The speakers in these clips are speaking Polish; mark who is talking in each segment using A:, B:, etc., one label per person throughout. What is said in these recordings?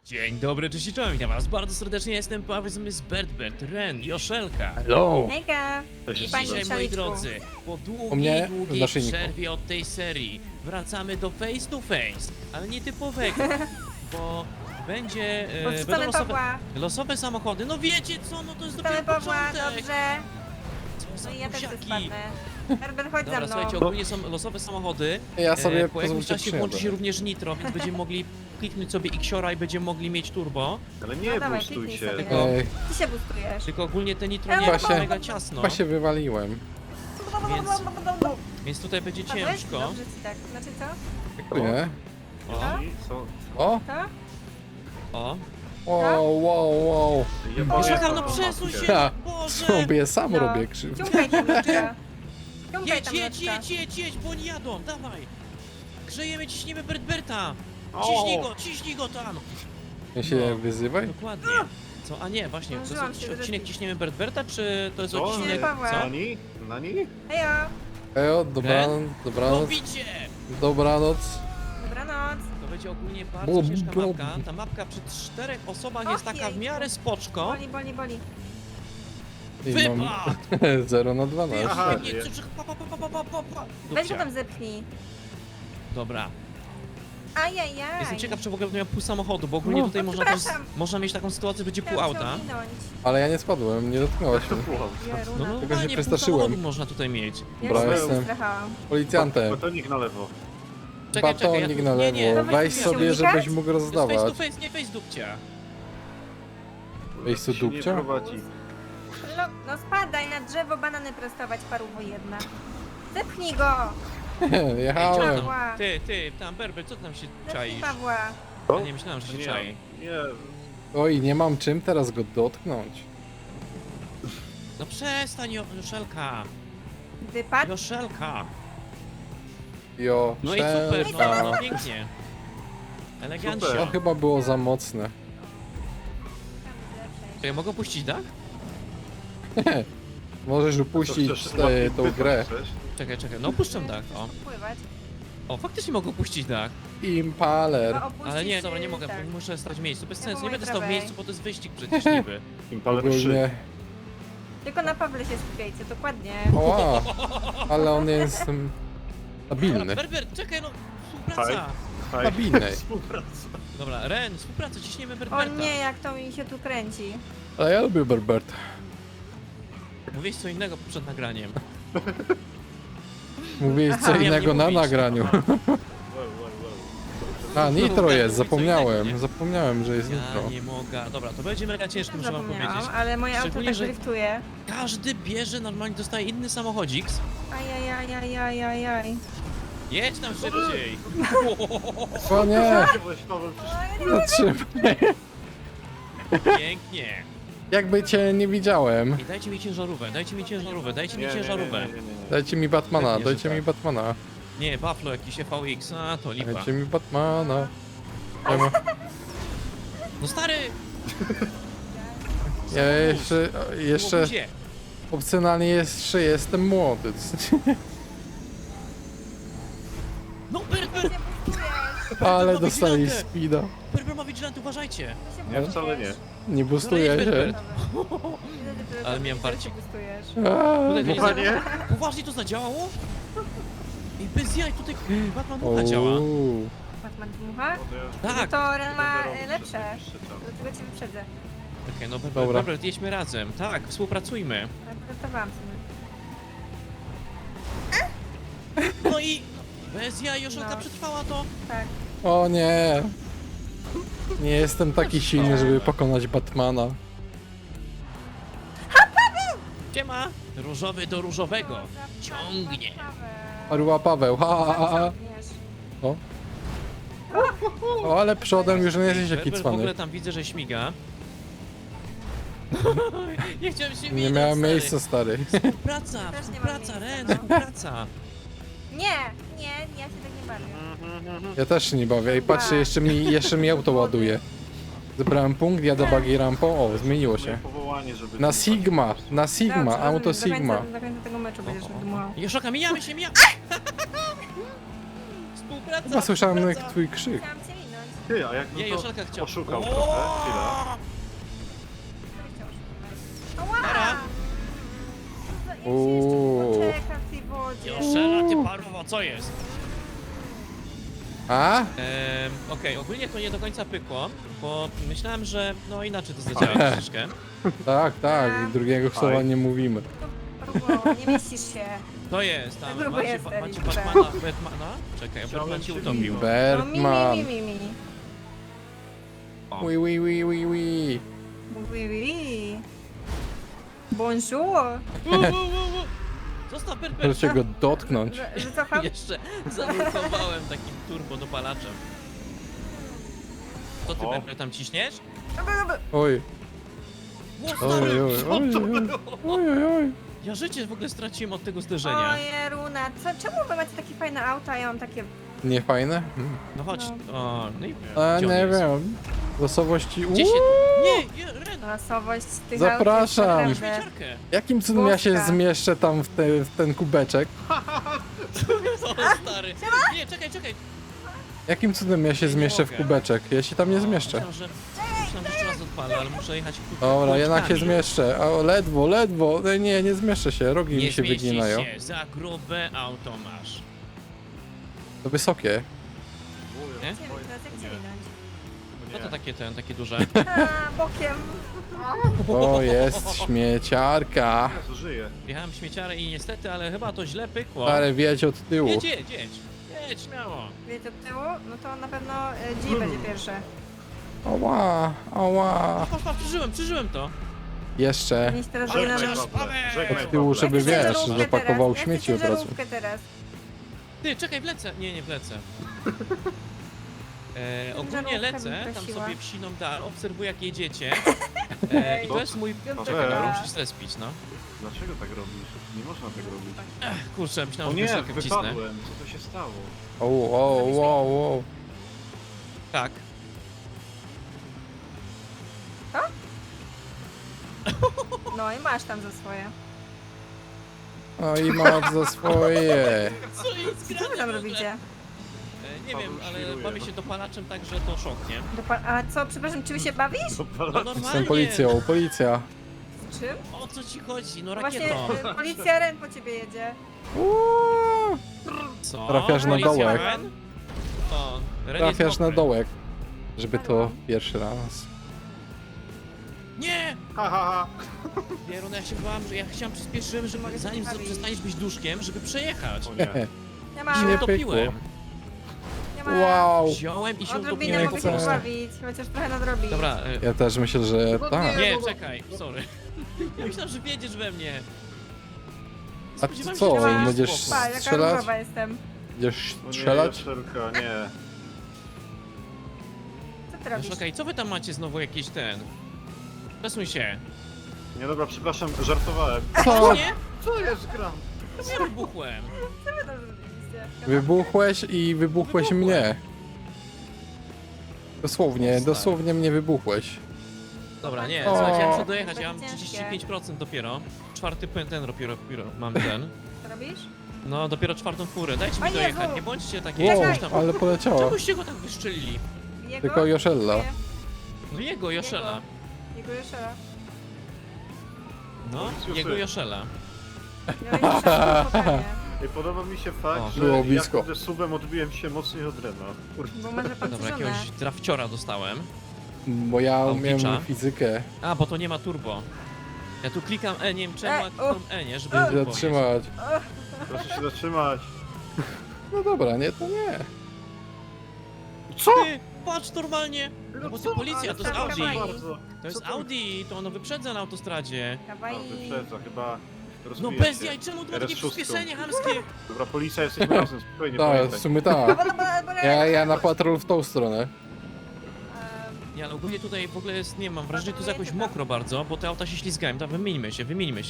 A: Dzień dobry, cześć i czołem, witam was bardzo serdecznie, jestem Paweł z Bertbert, Ren, Joszelka.
B: Hello!
C: Hejka!
A: I
C: Panie
A: dzisiaj, moi
C: Szaliczku.
A: drodzy, po
B: U mnie
A: długiej
B: w naszyjniku.
A: przerwie od tej serii wracamy do face to face, ale nie typowego, bo będzie, będą
C: Odczytamy Pawła.
A: losowe samochody, no wiecie co, no to jest
C: Witamy
A: dopiero
C: Pawła,
A: początek.
C: dobrze.
A: Co za
C: No i ja też
A: buziaki.
C: spadnę. Herbert, chodź za
A: Dobra,
C: mną.
A: słuchajcie, ogólnie są losowe samochody.
B: Ja sobie
A: Po jakimś
B: pozwólcie
A: czasie włączy się
B: przyjadę.
A: również nitro, więc będziemy mogli kliknąć sobie Xiora i będziemy mogli mieć turbo.
D: Ale
C: No
D: nie
C: dawaj,
D: bustuj
C: kliknij
D: się.
C: sobie.
B: Ej,
C: Ty się boostujesz.
A: Tylko ogólnie te nitro
C: Ja
A: nie
C: mam
A: jest
B: się-
A: mega ciasno,
B: chyba się wywaliłem.
A: więc tutaj będzie
C: Padłeś?
A: ciężko.
C: Dobrze ci tak. Znaczy co?
B: Nie?
A: O,
D: I co?
B: O!
C: To?
A: o.
B: Wow.
A: Joszelka, no
D: mam
A: przesuń
D: mapkę.
A: się,
B: Ja
A: Boże!
B: sobie sam
C: No.
B: robię krzywdę.
C: Ciągaj tam nóżka. Ciągaj
A: Jedź,
C: tam
A: jedź,
C: nóżka.
A: jedź, bo oni jadą, dawaj! Grzejemy, ciśniemy Bertberta!
D: O!
A: Ciśnij go tam!
B: Ja się wyzywaj?
A: Dokładnie. Co? A nie, właśnie, to
C: Zdążyłam
A: jest
C: się
A: odcinek
C: zrespić.
A: ciśniemy Bertberta, czy to jest
D: Co?
A: odcinek...
C: Pawła.
A: Co?
D: Nani? Nani?
C: Hejo,
B: Ejo, dobranoc,
A: Robicie!
B: dobranoc.
C: dobranoc.
A: To będzie ogólnie bardzo
B: Bum,
A: ciężka
B: bum.
A: mapka. Ta mapka przy 4 osobach jest taka w
C: jejku.
A: miarę spoczko.
C: Boli.
B: I mam
A: Wypad!
B: 0 na
A: Ty,
B: 12.
D: Aha.
A: nie, pa.
C: Weź go
A: Dupcia.
C: tam zepchnij.
A: Dobra.
C: Ajajaj.
A: Jestem ciekaw, czy w ogóle miał pół samochodu, bo ogólnie
B: No.
A: tutaj
C: O,
A: można, też,
C: przepraszam.
A: można mieć taką sytuację, że będzie pół
C: Chciałam cię
A: auta.
C: ominąć.
B: Ale ja nie spadłem, nie dotknęłaś mnie.
C: Jeruna.
A: No
B: się
A: normalnie pół
B: przestraszyłem.
A: samochodu można tutaj mieć.
C: Ja
B: Dobra,
C: się
B: jestem.
C: strachałam.
B: Policjantem.
D: Batonik na lewo.
B: Batonik na
A: nie, nie,
B: lewo.
C: Dawaj,
B: Weź
C: chcesz
B: sobie,
C: unikać?
B: żebyś mógł
A: To jest face to
B: rozdawać.
A: face, nie face dupcia.
B: Ej,
D: Się nie
B: dupcia?
D: prowadzi.
C: No spadaj na drzewo, banany prostować, paruwo jedna. Zepchnij go!
B: Jechałem.
C: Pawła.
A: Ty, tam Berber, co ty tam się
C: Zepchnij
A: czaisz?
C: Pawła.
A: Ja nie myślałem, że się
D: Nie,
A: czai.
D: nie.
B: Oj, nie mam czym teraz go dotknąć.
A: No przestań, Joszelka.
C: Wypadł.
A: Joszelka.
B: Jo,
A: No i super,
B: szelka.
A: no pięknie. Elegancja.
D: Super.
B: To chyba było za mocne.
A: Czy ja mogę puścić dach?
B: Możesz upuścić
D: To chcesz
B: tą grę.
A: Czekaj, no opuszczam dach, o.
C: Pływać.
A: O, faktycznie mogę opuścić dach.
B: Impaler.
C: Chyba opuścić,
A: Ale nie, dobra, nie mogę,
C: tak.
A: muszę stać w miejscu. Bez
C: Ja
A: sensu,
C: po
A: nie
C: mojej
A: będę stał w
C: prawej.
A: miejscu, bo to jest wyścig przecież niby.
D: Impaler 3.
B: Ogólnie.
C: Tylko na Pawle się skupiajcie, dokładnie.
B: Oła, ale on jest
A: Dobra,
B: stabilny.
A: Berber, czekaj, no, współpraca.
B: Stabilny.
D: Współpraca.
A: Dobra, Ren, współpraca, ciśniemy
C: O
A: Berberta.
C: nie, jak to mi się tu kręci.
B: Ale ja lubię Berbert.
A: Mówiłeś co innego przed nagraniem.
B: Mówię
C: Aha.
B: co
A: Miałem
B: innego
A: nie
B: na
A: mówić.
B: nagraniu. A, nitro jest, zapomniałem. Zapomniałem, że jest
A: Ja
B: nitro.
A: nie mogę. Dobra, to będzie mega ciężko, muszę wam
C: Zapomniałam,
A: powiedzieć.
C: ale moje auto
A: Szczególnie,
C: tak
A: że-
C: driftuje.
A: Każdy bierze, normalnie dostaje inny samochodzik.
C: Ajajajajajajaj.
A: Jedź tam szybciej.
B: O nie!
D: Weź, Paweł,
B: Zatrzymaj.
A: Pięknie.
B: Jakby cię nie widziałem.
A: I dajcie mi ciężarówkę, dajcie mi ciężarówkę.
B: Dajcie mi Batmana,
A: Pewnie, że
B: dajcie mi
A: tak.
B: Batmana.
A: Nie, Buffalo jakiś FVX, a to lipa.
B: Dajcie mi Batmana. Ja, ma-
A: No stary!
B: ja jeszcze
A: Gdzie?
B: opcjonalnie jeszcze jestem młody.
A: No Berber!
B: Ale dostali speeda.
A: Berber ma vigilant, uważajcie!
D: Nie, wcale nie.
B: Nie boostuje się.
A: Berbert. Ale miałem parcie.
B: Aaa,
A: Tutaj to nie
D: Panie?
A: Poważnie to zadziałało? I bez jaj, tutaj Batman Mucha działa.
B: Uuu.
C: Batman dmucha?
A: Tak!
C: To Ren ma lepsze. Dlatego cię wyprzedzę.
A: Okej, no
B: Dobra.
A: Berber, jedźmy razem. Tak, współpracujmy.
C: Żartowałam sobie.
A: No i... Bez jaj, Joszelka
C: No.
A: przetrwała to.
C: Tak.
B: O nie. Nie jestem taki silny, żeby pokonać Batmana.
A: Siema! Różowy do różowego. Ciągnie.
B: Arła Paweł, ha, ha, ha. O. O, ale przodem już nie jesteś taki
A: Berber w ogóle
B: cwany.
A: tam widzę, że śmiga. Nie chciałem się
B: Nie
A: minąć,
B: miałem
A: stary.
B: miejsca, stary.
A: Współpraca,
C: Ja też nie mam
A: współpraca,
C: miejsca,
A: Ren,
C: no.
A: współpraca.
C: Nie, ja się tak nie bawię.
B: Ja też się nie bawię i patrzcie, jeszcze mi auto ładuje. Zebrałem punkt, jadę buggy rampą, o, zmieniło się.
D: Powołanie, żeby...
B: Na Sigma, na Sigma,
C: Dobrze,
B: auto
C: rozumiem.
B: Sigma.
C: Do końca tego meczu będziesz dmuchał.
A: Joszoka, mijamy się, mijamy! Współpraca,
B: Chyba słyszałem
A: współpraca.
B: twój krzyk.
C: Chciałam cię minąć.
D: Ty, a jak
A: Nie,
D: to
A: Joszelka chciał.
D: poszukał
A: O!
D: trochę, chwilę.
C: Ała!
A: Dobra.
C: Ja się
B: Uuu.
C: jeszcze poczekam w tej wodzie.
A: Joszela, ty paruwo, co jest?
B: A?
A: Okej, ogólnie to nie do końca pykło, bo myślałem, że no inaczej to zadziała troszeczkę.
B: Tak, tak. Drugiego słowa nie mówimy.
C: Próbowo, nie mieścisz się.
A: To jest, tam
C: Grubo
A: macie,
C: jest,
A: macie
C: Erik,
A: Batmana? Czekaj, a Batman cię
D: Chciałem
A: utopił.
D: się
C: No mi,
B: Bertman.
C: mi.
B: Oui, oui, oui, oui, oui.
C: Oui, oui. Bonjour.
A: Zostaw
B: Proszę
A: Bertman.
B: go dotknąć.
C: Że cofam?
A: Jeszcze zablokowałem takim turbo dopalaczem. Co ty,
D: O.
A: Bertman, tam ciśniesz?
B: Oj,
A: Ło,
B: oj,
A: stary!
B: oj, oj, oj, oj, oj, oj.
A: Ja życie w ogóle straciłem od tego zderzenia.
C: Oje, Runa, czemu wy macie takie fajne auta, a ja mam takie...
B: Nie fajne?
A: No chodź. O, no i
B: A,
A: gdzie on
B: nie
A: jest?
B: wiem. Losowości.
A: Gdzie się...
B: Uuu.
A: Nie, Ren,
C: Losowość tych
B: Zapraszam.
C: aut jest naprawdę...
A: śmieciarkę.
B: Jakim cudem ja się
C: Boska.
B: zmieszczę tam w ten kubeczek?
A: Co, stary? Nie, czekaj.
B: Jakim cudem ja się
A: Nie
B: zmieszczę w
A: mogę.
B: kubeczek? Ja się tam nie zmieszczę.
A: Myślałem, że jeszcze raz odpalę, ale muszę jechać
B: Dobra, jednak się
A: kółeczkami.
B: zmieszczę. O, ledwo, ledwo. Nie zmieszczę się. Rogi
A: Nie
B: mi się
A: zmieścisz
B: wyginają.
A: się, za grube auto masz.
B: To wysokie.
A: Nie?
C: Gdzie teraz, jak cię minąć?
A: No to takie duże.
C: A, bokiem.
B: O, jest śmieciarka.
D: Jezu, żyje.
A: Jechałem w śmieciarę i niestety, ale chyba to źle pykło.
B: Ale wiedź od tyłu.
A: Jedź, śmiało.
C: Wiecie od tyłu? No to na pewno G będzie pierwsze.
B: Ała, ała.
A: Patrz, przeżyłem to.
B: Jeszcze.
C: Niech teraz
D: Żegnaj,
C: będzie nam...
D: Pawle, żegnaj,
B: Od tyłu,
D: Pawle.
B: żeby
C: Ja chcę
B: wiesz,
C: ciężarówkę
B: zapakował
C: teraz.
B: śmieci
C: Ja
B: od
C: chcę
B: razu.
C: ciężarówkę teraz.
A: Ty, czekaj, wlecę. Nie wlecę. Ogólnie
C: Ciężarówkę
A: lecę,
C: bym
A: tam
C: prosiła.
A: sobie wsiną dal, obserwuję jak jedziecie. I to
D: Co?
A: jest mój...
C: Piątka.
A: Czekaj, dobra, muszę zrespić, no.
D: Dlaczego tak robisz? Nie można tak robić.
A: Kurczę,
D: O
A: myślałem, że
D: nie,
A: wysokę wcisnę.
D: wypadłem. Co to się stało?
B: O.
A: Tak.
C: No i masz tam za swoje.
B: O i masz za swoje.
A: Co jest
C: Co wy
A: grane
C: tam
A: w ogóle?
C: robicie?
A: Nie wiem,
D: Paweł
A: ale
D: świruje,
A: bawię
D: no.
A: się dopalaczem tak, że to szok, nie?
C: A co, przepraszam, czym się bawisz?
A: No normalnie.
B: Jestem policją, policja.
C: Z czym?
A: O co ci chodzi? No
C: No właśnie
A: rakietą.
C: policja Ren po ciebie jedzie.
B: Uuu,
A: Co?
B: trafiasz na
A: Policja
B: dołek.
A: Ren? O, Ren jest
B: trafiasz na
A: mokry.
B: dołek. Żeby to pierwszy raz.
A: Nie!
D: Ha, ha, ha.
A: Bierun, ja się bałam, że ja chciałem przyspieszyłem, żeby
C: Mogę
A: zanim
C: się bawić.
A: przestaniesz być duszkiem, żeby przejechać.
D: O nie.
C: Nie
A: I
C: ma,
A: się
B: Nie
A: utopiłem.
B: pykło.
C: nie ma.
B: Wow.
A: Wziąłem i się
C: Odrobinę
A: utopiłem.
C: mogę się
B: chcę.
C: pobawić, chociaż trochę nadrobić.
A: Dobra,
B: Ja też myślę, że tak.
A: nie, czekaj, sorry. Ja myślałem, że wiedziesz we mnie.
B: A ty
A: Spodziewałem
B: co,
A: się, że będzie
B: będziesz
A: spoko.
C: Pa, jaka
B: strzelać?
C: różowa jestem.
B: Będziesz
D: O nie,
B: strzelać?
D: Joszelka, nie.
C: Co ty robisz?
A: Czekaj, co wy tam macie znowu jakiś ten? Przesuń się.
D: Nie, dobra, przepraszam, żartowałem.
B: Co?
A: Nie?
D: Co jest gram?
A: Ja wybuchłem.
C: Co wy tam zrobiliście?
B: Wybuchłeś i wybuchłeś
A: Wybuchłem.
B: mnie. Dosłownie,
A: Stary.
B: dosłownie mnie wybuchłeś.
A: Dobra, nie,
B: O.
A: słuchajcie, ja muszę dojechać, ja mam
C: Będzie ciężkie.
A: 35% dopiero. Czwarty ten dopiero mam ten.
C: Co robisz?
A: No, dopiero czwartą furę, dajcie
C: O
A: mi
C: Jezu!
A: dojechać, nie bądźcie takie
B: Wow,
A: jakieś tam...
B: ale poleciała.
A: Czemuście go tak wyszczelili?
C: Jego?
B: Tylko Joszella.
A: No jego Joszela.
C: Jego Joszela.
A: No,
D: Policjuszy.
A: jego Joszela.
C: Miałeś Joszela spotkanie.
D: I podoba mi się fakt,
A: O,
D: że
B: było
D: ja
B: blisko.
D: kurde subem odbiłem się mocniej od Rena. Kurde.
C: Bo może pan
A: Dobra,
C: żonę.
A: jakiegoś drafciora dostałem.
B: Bo ja umiem
A: Pałpicza.
B: fizykę.
A: A, bo to nie ma turbo. Ja tu klikam E, nie wiem czemu, a klikam E, nie, żeby turbo mieć.
B: Zatrzymać.
D: Proszę się zatrzymać.
B: No dobra, nie, to nie.
D: Co?
A: Ty, patrz normalnie! No bo to policja, to jest
C: Ale
A: Audi.
C: kawaii.
D: Bardzo.
A: To jest
D: Co to-
A: Audi, to ono wyprzedza na autostradzie.
D: A,
C: Kawaii.
D: wyprzedza, chyba
A: No
D: rozwija
A: bez
D: się.
A: jaj, czemu to ma takie
D: RS6.
A: przyspieszenie chamskie?
D: Dobra, policja, jesteśmy razem, spokojnie,
B: Tak, w
D: pamiętaj.
B: sumie tak.
C: Bo
B: Ja na patrol w tą stronę.
A: Nie, ale ogólnie tutaj w ogóle jest, nie mam wrażenia, że tu jest jakoś mokro bardzo, bo te auta się ślizgają. Tak, wymieńmy się.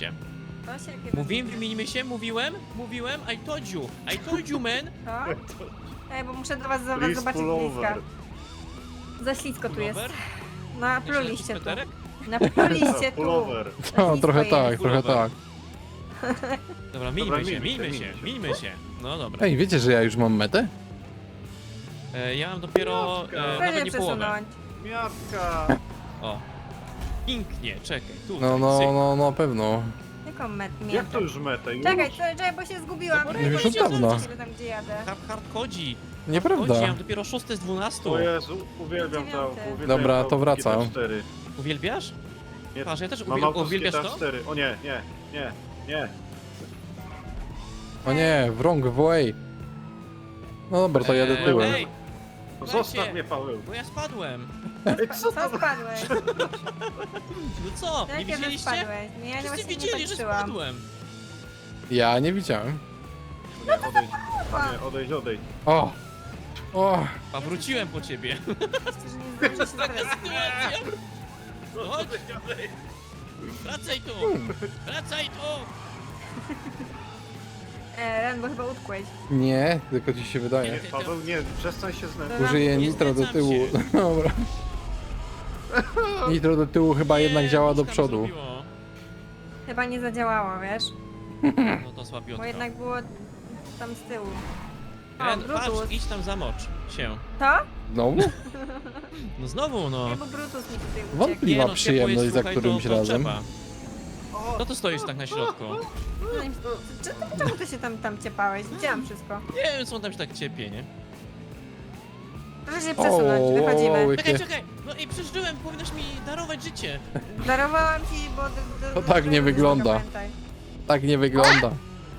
A: Mówiłem, I told you, man.
C: Co? Ej, bo muszę do was
D: Please
C: zobaczyć
D: pull
C: bliska.
D: over.
C: Za ślisko tu jest.
A: Pullover?
C: Napluliście tu.
A: Peterek?
C: Napluliście tu.
D: Pullover.
B: No, trochę tak,
A: Pullover.
B: trochę tak.
A: Dobra,
D: Dobra,
A: mińmy się. No dobra.
B: Ej, wiecie, że ja już mam metę?
A: Ja mam dopiero
D: Miatka.
C: Proszę
A: nawet nie połowę.
C: przesunąć.
D: Miatka!
A: O. Pięknie, czekaj, tu.
B: No, na pewno.
C: Jaką metę?
D: Jak to już metę? Już?
C: Czekaj, czekaj, bo się zgubiłam.
A: No bo
C: Nie
B: już
C: wiem,
B: od dawna.
C: tam gdzie jadę.
A: Hard chodzi.
B: Nieprawda.
A: Chodzi, ja mam dopiero 6 z 12.
D: O Jezu, uwielbiam to.
C: Dziewiąty.
D: Uwielbiam
B: Dobra,
D: to
B: to wracam.
D: GTA 4.
A: Uwielbiasz?
D: Nie,
A: Patrz, ja też
D: mam auto z
A: uwielbiasz
D: GTA
A: to?
D: 4. O nie, nie.
B: O nie, wrong way. No dobra, to jadę tyłem.
A: Ej,
D: No
A: Słuchajcie.
D: zostaw mnie, Paweł.
A: bo ja spadłem.
D: Ej, co
C: Co
D: to?
C: spadłeś?
A: No co, nie
C: Jak ja
A: widzieliście?
C: spadłeś? Nie, ja
A: Wszyscy
C: właśnie nie
A: widzieli, że
C: patrzyłam.
A: spadłem.
B: Ja nie widziałem.
D: Nie, odejdź. Nie, odejdź.
B: O!
A: A wróciłem po ciebie.
C: Przecież nie zdążę się zaraz.
A: Sytuacja. Chodź, wracaj tu. Wracaj tu.
C: Ren, bo chyba utkłeś.
B: Nie, tylko ci się
D: Nie,
B: wydaje.
D: Paweł, nie, przestań się znęcać.
B: Użyję
A: Nie
B: nitro do
A: zgadzam
B: tyłu.
A: się.
B: Dobra. Nitro do tyłu chyba jednak
A: Nie,
B: działa do
A: nóżka mi
B: przodu.
A: zrobiło.
C: Chyba nie zadziałało, wiesz?
A: No to słabiutko.
C: Bo jednak było tam z tyłu. O,
A: Ren,
C: Brutus.
A: patrz, idź tam zamocz się.
C: To?
B: Znowu?
A: No znowu, no.
C: Nie, bo Brutus mi tutaj uciekł.
B: Wątpliwa
A: ciepło
B: przyjemność
A: jest,
B: za
A: słuchaj,
B: którymś
A: to
B: razem.
A: trzeba. No to stoisz tak na środku.
C: Czemu ty się tam ciepałeś? Widziałam wszystko.
A: Nie wiem, co on tam się tak ciepie, nie?
C: Proszę się przesunąć, wychodzimy.
B: łykie.
A: Czekaj, czekaj! No i przeżyłem, powinnaś mi darować życie.
C: Darowałam ci, bo...
B: To tak nie wygląda.
C: Pamiętaj.
B: Tak nie wygląda.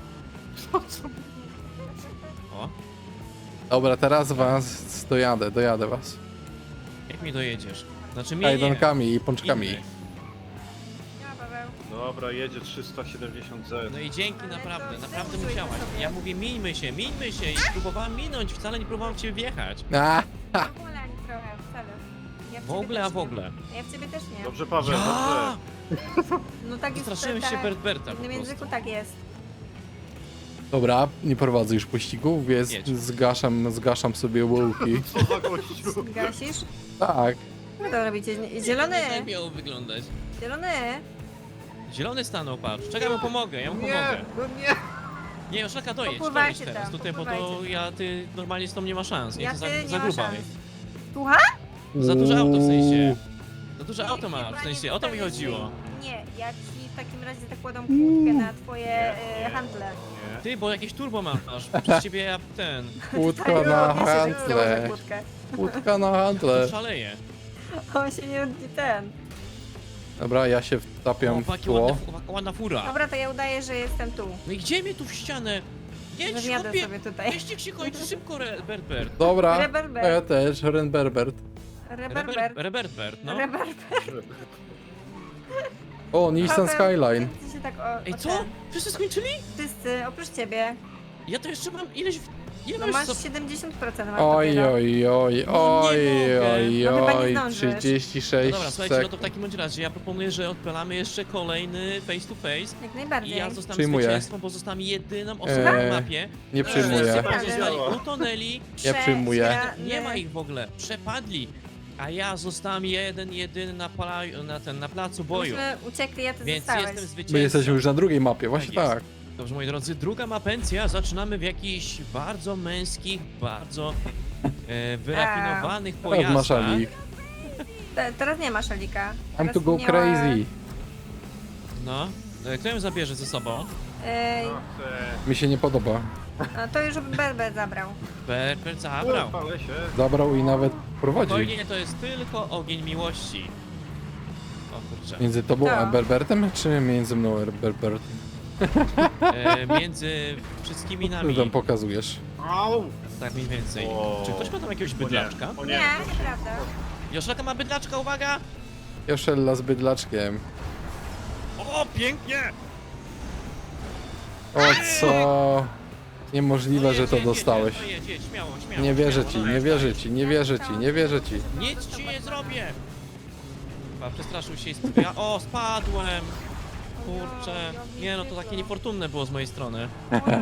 A: O,
B: Dobra, teraz was dojadę was.
A: jak mi dojedziesz? Znaczy mnie nie.
B: Kajdankami i pączkami.
A: Inny.
C: Nie ma, Paweł.
D: Dobra, jedzie 370Z.
A: No i dzięki,
C: Ale
A: naprawdę,
C: to
A: naprawdę
C: zdejmuj
A: musiałaś.
C: sobie.
A: Ja mówię, mińmy się i próbowałam minąć, wcale nie próbowałam cię wjechać.
B: A,
C: W ogóle ani trochę, wcale. Ja
A: W
C: ciebie
A: ogóle,
C: też
A: a w
C: nie.
A: ogóle.
C: Ja w ciebie też nie.
D: Dobrze, Paweł,
A: Ja!
D: dobrze.
C: No tak jest.
A: Zastraszyłem się
C: tak.
A: Berta
C: W
A: po
C: innym języku
A: prostu.
C: tak jest.
B: dobra, nie prowadzę już pościgów, więc
A: Jedź.
B: zgaszam sobie łuki.
D: Co za gościu?
C: Gasisz?
B: Tak.
C: Co to robicie? Zielony!
A: Nie tak miało wyglądać.
C: Zielony!
A: Zielony stanął, patrz. Czekaj, mu pomogę, ja mu
D: Nie,
A: pomogę.
D: no nie.
A: Nie, Joszaka, dojedź
C: Popływajcie
A: teraz
C: tam,
A: tutaj, bo to
C: popływajcie.
A: ty normalnie z tą nie ma szans. Nie,
C: Ja
A: to
C: ty
A: za
C: nie
A: za
C: ma
A: gruba
C: szans.
A: jest.
C: Słucha?
A: Za duże auto w sensie.
B: Uuu.
A: Za duże auto masz, w sensie, o to mi chodziło.
C: Nie, ja ci w takim razie zakładam kłódkę na twoje handle.
D: Nie.
A: Ty, bo jakieś turbo masz, przez ciebie ja ten...
B: Łódka
C: Tak,
B: na
C: ja się założę
B: handle.
C: kłódkę.
B: Łódka na handle.
A: Szaleje.
C: On się nie ten.
B: Dobra, ja się
A: O,
B: wtapiam w
A: jaka
B: tło.
A: ładna fura.
C: Dobra, to ja udaję, że jestem tu.
A: No i gdzie mnie tu w ścianę? Jedź,
C: Wywiadę
A: chłopie!
C: sobie tutaj.
A: Wyścig się kończy szybko, Bert.
B: Dobra,
C: Reberbert.
B: ja też, Renberbert.
C: Reberbert.
A: Bert, no.
C: Reberbert.
B: O, Nissan
C: Paweł,
B: Skyline.
C: ty się tak
A: Ej,
C: o
A: co?
C: ten.
A: Wszyscy skończyli?
C: Wszyscy, oprócz ciebie.
A: Ja to jeszcze mam ileś... Ile
C: No
A: masz
C: masz
A: co?
C: 70% masz
B: Oj,
C: dopiero.
B: oj, oj,
A: No nie
B: oj,
A: mogę.
B: oj,
C: No chyba nie
B: oj,
C: zdążysz.
B: 36
A: No dobra, słuchajcie, no to w
B: sekund.
A: takim bądź razie ja proponuję, że odpalamy jeszcze kolejny face to face.
C: Jak
A: I
C: najbardziej.
A: ja zostanę
B: Przyjmuję.
A: zwycięzcą, bo zostanę jedyną osobą na mapie.
B: Nie
A: którzy
B: przyjmuję.
A: zostali utonęli.
B: Ja przyjmuję.
A: Nie ma ich w ogóle. Przepadli. A ja zostałem jedyny na placu boju.
C: Myśmy uciekli, a ty
A: Więc
C: zostałeś.
A: jestem zwycięzcą.
B: My jesteśmy już na drugiej mapie, właśnie
A: Tak jest.
B: tak.
A: Dobrze, moi drodzy, druga mapencja. Zaczynamy w jakichś bardzo męskich, bardzo wyrafinowanych
B: Teraz masz
A: pojazdach.
B: Alik.
C: Teraz nie ma szalika.
B: I'm
C: Teraz
B: to go
C: miała-
B: crazy.
A: No. Kto ją zabierze ze sobą?
C: Ej,
B: Mi się nie podoba.
C: no to już Berber zabrał.
A: Bert zabrał.
D: Palę się.
B: Zabrał i nawet prowadzi.
A: Spokojnie, to jest tylko ogień miłości. O kurczę.
B: Między tobą a
C: To.
B: Berbertem, czy między mną a Berbertem?
A: Między wszystkimi
B: Co
A: nami.
B: tam pokazujesz?
D: Au!
A: Tak mniej więcej.
D: O.
A: Czy ktoś ma tam jakiegoś
D: O nie,
A: bydlaczka?
D: o
C: Nie,
D: nie.
C: nieprawda.
A: Joszlaka ma bydlaczka, uwaga!
B: Joszella z bydlaczkiem.
A: O, pięknie!
B: O co? Niemożliwe, że to
A: jedź,
B: dostałeś.
A: Jedź, śmiało.
B: Nie wierzę
A: śmiało,
B: ci,
A: dawaj,
B: nie wierzę ci, nie wierzę ci, nie wierzę ci.
A: Nic ci nie zrobię! Chyba przestraszył się i spadł. O, spadłem! Kurczę. Nie no, to takie niefortunne było z mojej strony.
C: Oj, oj, oj.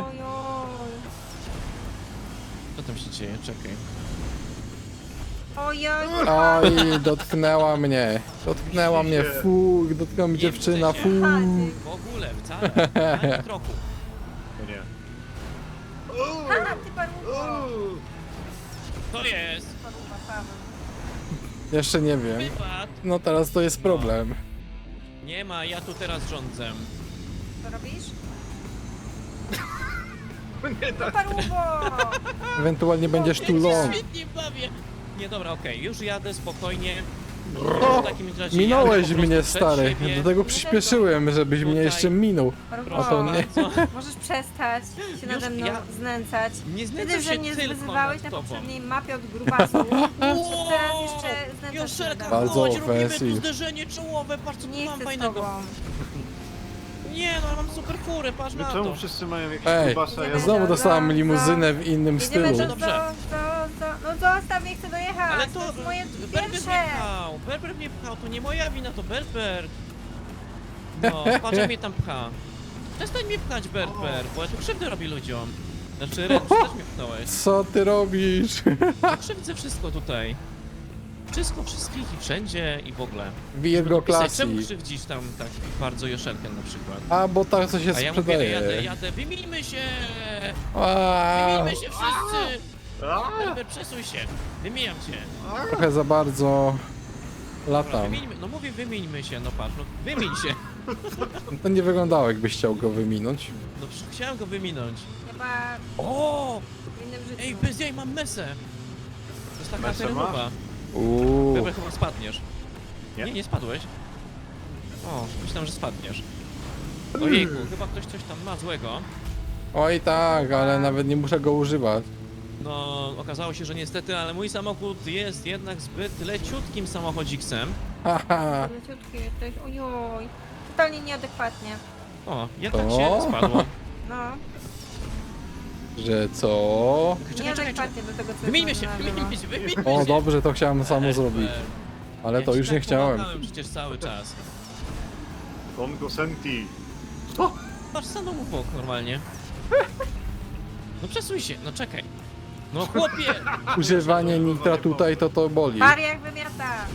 A: Co tam się dzieje? Czekaj.
C: Oj, oj.
B: Oj, dotknęła mnie. Dotknęła mnie, fu, dotknęła mnie
A: Nie
B: dziewczyna,
A: wrócę
B: fu.
A: się.
C: Chodź.
A: W ogóle, wcale. Ani kroku.
D: O nie.
C: Ha, ty paruwo.
A: Co jest?
C: Paruwa, Paweł.
B: Jeszcze nie wiem.
A: Wypad.
B: No teraz to jest problem.
A: Nie ma, ja tu teraz rządzę.
C: Co robisz?
D: Nie tak.
C: Paruwo!
B: Ewentualnie będziesz tu
A: Ja się
B: long.
A: świetnie bawię. Nie, dobra, okej, już jadę spokojnie.
B: O,
A: W takim razie
B: minąłeś
A: jadę po
B: mnie,
A: prostu przed
B: stary.
A: siebie.
B: Dlatego przyspieszyłem, żebyś mnie
A: Tutaj.
B: jeszcze minął.
C: Paruwo,
B: A to nie.
A: bardzo.
C: możesz przestać się nade mną
A: ja-
C: znęcać.
A: Nie
C: Wtedy,
A: znęcam
C: że
A: się
C: mnie
A: tylko
C: wyzywałeś
A: nad
C: na
A: tobą.
C: poprzedniej mapie od grubasów. Teraz jeszcze znęcasz się
A: Joszelka,
C: nade mną.
B: Bardzo
A: chodź, robimy tu
B: offensive.
A: zderzenie czołowe, patrz co tu
C: Nie
A: mam
C: chcę z
A: fajnego.
C: tobą.
A: Nie, no ja mam super furę, patrz na to.
D: Czemu wszyscy mają jakieś
B: Ej,
D: grubasa? Ja
B: znowu dostałam limuzynę w innym
C: Jedziemy
B: stylu.
A: Dobrze.
C: No zostaw, nie chcę dojechać.
A: Ale
C: to jest moje
A: Berber
C: pierwsze.
A: mnie pchał, Berber mnie pchał, to nie moja wina, to Berber. No, patrz jak mnie tam pcha. Przestań mnie pchać, Berber, bo ja tu krzywdę robię ludziom. Znaczy, Ren, ty też mnie pchnąłeś.
B: Co ty robisz?
A: Ja krzywdzę wszystko tutaj. Wszystko, wszystkich i wszędzie i w ogóle.
B: Virgo
A: Pisać, czemu
B: Classic.
A: krzywdzisz tam tak bardzo Joszelkę na przykład?
B: A, bo tak co się
A: A ja mówię,
B: sprzedaje.
A: jadę, wymienimy się!
B: A,
A: Wymienimy się wszyscy!
D: A?
A: Berber, przesuń się! Wymieniam cię!
B: trochę za bardzo
A: Dobra,
B: latam.
A: wymieńmy, no mówię wymieńmy się, no patrz, no wymień się!
B: To nie wyglądało, jakbyś chciał go wyminąć.
A: No przecież chciałem go wyminąć.
C: Chyba
A: O!
C: w innym życiu.
A: Ej, bez jaj, mam mesę! To jest taka
D: Mesę
A: terenowa.
B: Uuu.
A: Berber, chyba spadniesz.
D: Nie.
A: Nie, nie spadłeś. O, myślałem, że spadniesz. Ojejku, chyba ktoś coś tam ma złego.
B: Oj tak, ale nawet nie muszę go używać.
A: No, okazało się, że niestety, ale mój samochód jest jednak zbyt leciutkim samochodziksem.
B: Haha.
C: Leciutki jesteś, ojoj. Totalnie nieadekwatnie.
A: O, jednak
B: To?
A: się spadło.
C: No,
B: Że co?
A: Czekaj,
C: nieadekwatnie do tego, co
A: Wymieńmy
C: jest
A: się,
C: na lewo.
A: wymieńmy się, wymieńmy się.
B: O, dobrze, to chciałem samo
A: Berber.
B: zrobić. Ale
A: Ja
B: to
A: ci
B: już
A: tak
B: nie chciałem.
A: pomagałem przecież cały czas.
D: Kongo Senti.
A: Patrz, stanął mu bok normalnie. No przesuń się, no czekaj. No chłopie!
B: Używanie nitra tutaj to boli.
C: Mariak wymiata.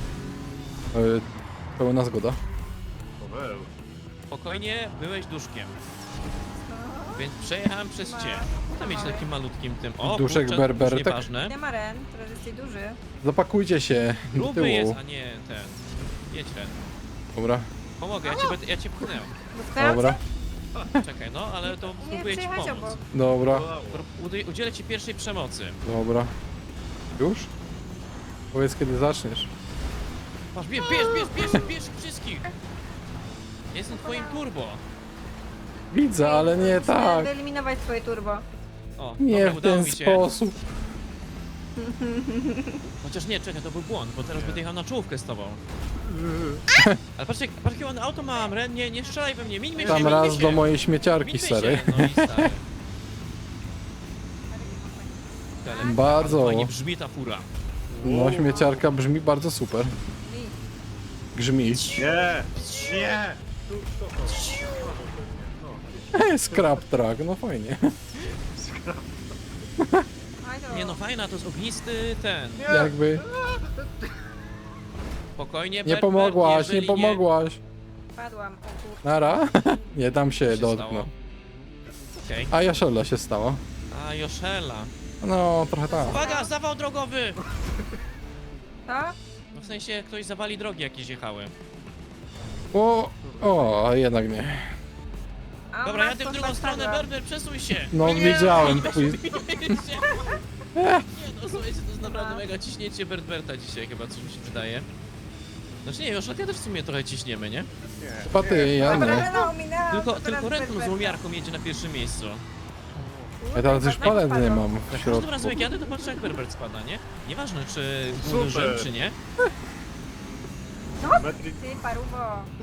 B: Pełna zgoda.
D: Paweł.
A: Spokojnie, byłeś duszkiem. Więc przejechałem przez cię. Tam mieć takim malutkim tym. O,
B: Duszek
A: kurczę,
B: Berber,
A: już
B: tak-
A: nieważne.
C: Nie ma Ren, teraz jesteś duży.
B: Zapakujcie się do
A: Gruby jest,
B: tyłu.
A: a nie ten. Jedź Ren.
B: Dobra,
A: Pomogę, ja cię pchnę.
C: Dotknęłam
B: dobra,
C: cię?
A: Czekaj, no, ale to
C: Nie,
A: spróbuję ci
C: przyjechać
A: pomóc.
C: obok.
B: dobra,
A: Udzielę ci pierwszej przemocy.
B: dobra. Już? Powiedz kiedy zaczniesz.
A: Patrz, bierz wszystkich! Jestem twoim turbo.
B: Widzę, ale nie
C: Musimy
B: tak.
C: wyeliminować twoje turbo.
A: O,
B: Nie
A: dobra,
B: w
A: udało
B: ten
A: mi się.
B: sposób.
A: Chociaż nie, czekaj, to był błąd, bo teraz będę jechał na czołówkę z tobą. Ale patrz, jakie ładne auto mam, Ren, nie strzelaj we mnie, mińmy się,
B: Tam
A: mińmy
B: raz
A: się.
B: do mojej śmieciarki,
A: Mińmy
B: stary.
A: się, no i stary. Ale
B: Bardzo.
A: fajnie brzmi ta fura.
B: No, śmieciarka brzmi bardzo super. Grzmi.
D: Nie! Nie! Tu, to.
B: Scrap track, no fajnie.
C: Oj, to-
A: Nie no, fajna, to jest ognisty ten.
B: Jakby.
A: Spokojnie,
B: Nie
A: Berber,
B: pomogłaś, nie
A: jeżeli
B: pomogłaś.
C: Padłam, o kur...
B: Nara? Nie dam się
A: Co się
B: dotknąć.
A: stało? Okej.
B: A Joszelda się stała.
A: A, Joszela.
B: No, trochę tak.
A: Uwaga, zawał drogowy!
C: Co?
A: No w sensie, ktoś zawali drogi jakieś jechały.
B: O, a jednak nie.
C: A
A: Dobra,
C: masz
A: jadę w
C: to
A: drugą stronę,
C: spadła.
A: Berber, przesuń się!
B: No,
A: Nie,
B: wiedziałem,
A: nie,
B: twój-
A: Nie, no słuchajcie, to jest naprawdę mega ciśnięcie Berberta dzisiaj chyba, coś mi się wydaje. Znaczy nie, Joszelka też w sumie trochę ciśniemy, nie?
D: Nie.
B: Chyba ty, ja
C: Dobra,
B: nie.
C: Rena ominęłam,
A: Tylko,
C: to teraz
A: tylko Renton z
C: Berberta.
A: łomiarką jedzie na pierwszym miejscu.
B: Ja teraz już palet nie mam w
A: Za każdym
B: środku.
A: razem jak jadę, to patrzę jak Berbert spada, nie? Nieważne czy
D: Super.
A: uderzyłem, czy nie.
D: Metri...
C: Ty, paruwo.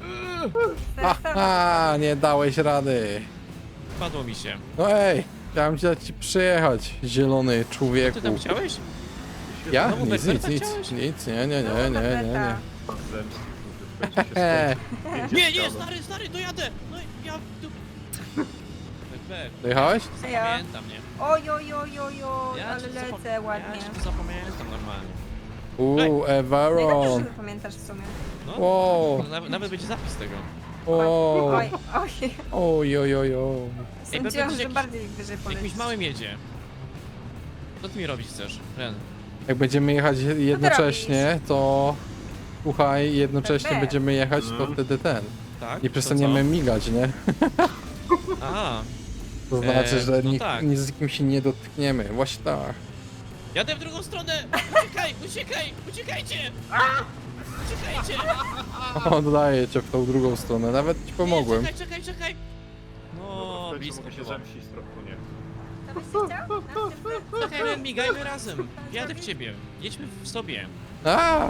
B: Aha, nie dałeś rady.
A: Padło mi się.
B: No ej, chciałem ci przyjechać, zielony
A: Co
B: człowieku.
A: ty tam chciałeś?
B: Ja?
A: Znowu
B: Nic, nic,
A: Berberta
B: nic,
A: chciałeś?
B: nic, nie, nie, nie, nie, nie, nie.
D: Zemsty, kurde, będzie się skończył.
A: Nie, nie, stary, dojadę! No ja tu... Berbert,
B: Dojechałeś?
A: zapamiętam, nie?
C: Oj, oj, oj, oj, oj,
A: Ja
C: ale
A: cię
C: lecę ładnie.
A: Ja cię tu zapamiętam normalnie.
C: Najlepsze,
B: Everon.
C: że pamiętasz w sumie.
A: No,
B: Wow.
A: nawet będzie zapis tego.
B: O,
C: Oj, oj.
B: oj, oj, oj, oj.
C: Sądziłam,
A: będzie
C: że
A: jakiś-
C: bardziej wyżej polecisz.
A: Jakimś małym jedzie. Co ty mi robić chcesz, Ren?
B: Jak będziemy jechać jednocześnie, to... Słuchaj, jednocześnie
C: Berber.
B: będziemy jechać, to
D: Mhm.
B: wtedy ten.
A: Tak?
B: Nie
A: to
B: przestaniemy migać, nie?
A: co? A,
B: To znaczy, że
A: no tak.
B: z nikim się nie dotkniemy. Właśnie tak.
A: jadę w drugą stronę! Uciekajcie! Uciekajcie!
B: Oddaję cię w tą drugą stronę, nawet ci pomogłem.
A: Nie, czekaj! No,
D: Tutaj
A: blisko
D: mogę się
A: było.
D: zemścić trochę, nie.
C: To byś się chciał?
A: Czekaj, no, migajmy razem. Jadę w ciebie. Jedźmy w sobie.
B: A!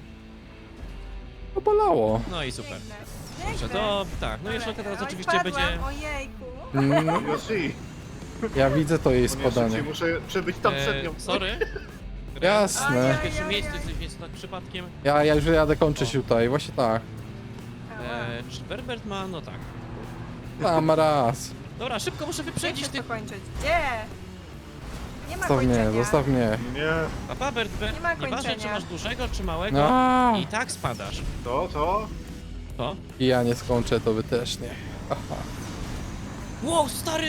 B: To bolało.
A: No i super.
C: Biegnę.
A: Dobrze, to tak, no jeszcze teraz
C: Oj,
A: oczywiście
C: spadłam,
A: będzie...
C: Ojejku.
D: Yoshi,
B: Ja widzę to jej
D: szybciej
B: spadanie.
D: muszę przebyć tam przed nią.
A: Sorry.
B: Jasne.
A: W pierwszym miejscu jest tak przypadkiem.
B: Ja już jadę kończyć tutaj, właśnie tak.
A: Czy Berbert ma? No tak.
B: Tam raz.
A: Dobra, szybko muszę
C: Gdzie
A: wyprzedzić
C: chcesz to
A: tych...
C: kończyć? Gdzie? Nie ma
B: Zostaw mnie,
C: kończenia.
B: zostaw mnie.
D: Nie,
A: Papa, Berbert,
C: Nie ma
A: nieważne czy
C: kończenia.
A: masz dużego, czy małego,
B: No.
A: i tak spadasz.
D: to?
A: To?
B: I ja nie skończę, to wy też nie. Aha.
A: Wow, stary!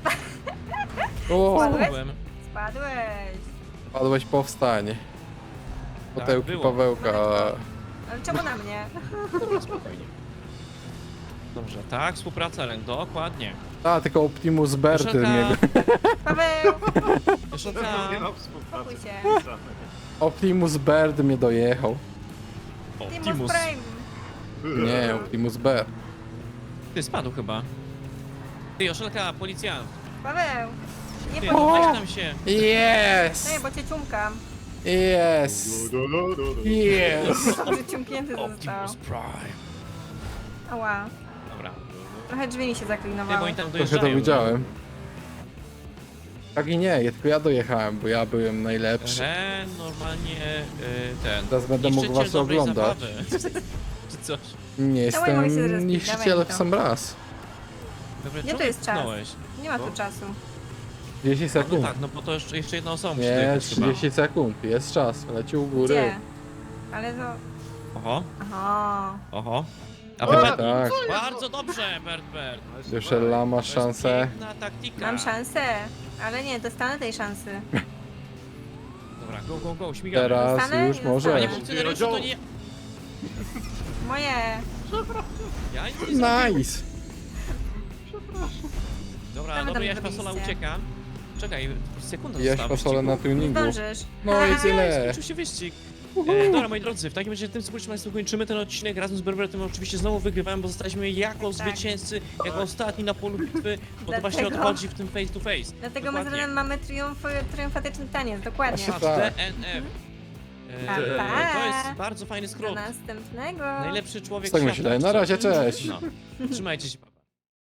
B: O,
C: Spadłeś?
A: Byłem.
C: Spadłeś.
B: padłeś, powstań. Potełki
A: było.
B: Pawełka.
C: Ale czemu na mnie?
A: Dobra, spokojnie. Dobrze, tak, współpraca, Ren, dokładnie.
B: A, tylko Optimus Berty
A: Joszelka,
B: mnie.
C: Paweł,
A: Joszelka,
D: Nie ma współpracy.
C: spokój się.
B: Optimus Bird mnie dojechał.
C: Timus
A: Optimus.
C: Prime.
B: Nie, Optimus Bird.
A: Ty spadł chyba. Ty, Joszelka, policjant.
C: Paweł, nie
A: Ty,
C: podnieś.
A: weź tam się.
B: Yes!
C: Nie, bo cię ciumkam.
B: Yes! Yes!
C: Może ciumknięty został.
A: Optimus Prime.
C: Ała.
A: Dobra.
C: Trochę drzwi mi się
A: Ty, bo
C: zaklinowały.
A: oni tam
B: Trochę
A: dojeżdżają.
B: to widziałem. Tak i nie, tylko ja dojechałem, bo ja byłem najlepszy.
A: Ren, normalnie ten...
B: Teraz będę mógł
A: niszczyciel
B: was
A: dobrej
B: oglądać.
A: zabawy. Czy coś.
B: Nie
C: Dawaj, mogę się
B: jestem
C: zrespić,
B: niszczycielem
C: dawaj
B: w
C: to.
B: sam raz.
A: Dobra,
C: Gdzie
A: czemu
C: to jest czas?
A: tknąłeś?
C: Nie ma tu czasu.
B: 10
A: No
B: sekund.
A: tak, no bo to jeszcze jedna osoba musi
B: Nie,
A: dojechać chyba.
B: 30 sekund. Jest czas. Leci u góry.
C: Gdzie? Ale to...
A: Oho,
C: Aha.
A: A
D: O,
A: wypadł.
B: tak.
A: Bardzo dobrze, Bert.
B: Joszella, masz
A: To jest
B: szansę.
A: piękna taktyka.
C: Mam szansę. Ale nie, dostanę tej szansy.
A: Dobra, go, śmigamy.
B: Teraz
C: Zostanę?
B: już
C: Nie
A: A nie
B: możesz.
C: zostanę.
A: funkcjonariusze to nie...
C: Moje.
A: Ja nic nie zrobiłem.
B: Nice!
A: Dobra,
C: Co wy
A: dobra,
C: tam
A: Jaś Fasola
C: zrobiliście?
A: ucieka. Czekaj, sekunda
B: Jeść
A: została
B: fasolę na
A: wyścigu.
C: Nie
B: tuningu.
C: zdążysz.
B: No i tyle.
A: Skończył się wyścig. Dobra, moi drodzy, w takim razie tym społecznym Państwu kończymy ten odcinek. Razem z Berbertem oczywiście znowu wygrywałem, bo zostaliśmy jako
C: Tak.
A: zwycięzcy, jako ostatni na polu bitwy, bo to właśnie
C: Dlatego-
A: odchodzi w tym face to face.
C: Dlatego my z
A: Dokładnie.
C: Renem mamy triumfatyczny taniec, dokładnie.
B: Właśnie
A: Patrz,
B: tak.
A: DNF.
C: Pa, pa.
A: To jest bardzo fajny
C: Do
A: skrót.
C: następnego.
A: Najlepszy człowiek
B: Tak
A: świata.
B: myślę. Na razie, cześć.
A: No. Trzymajcie się.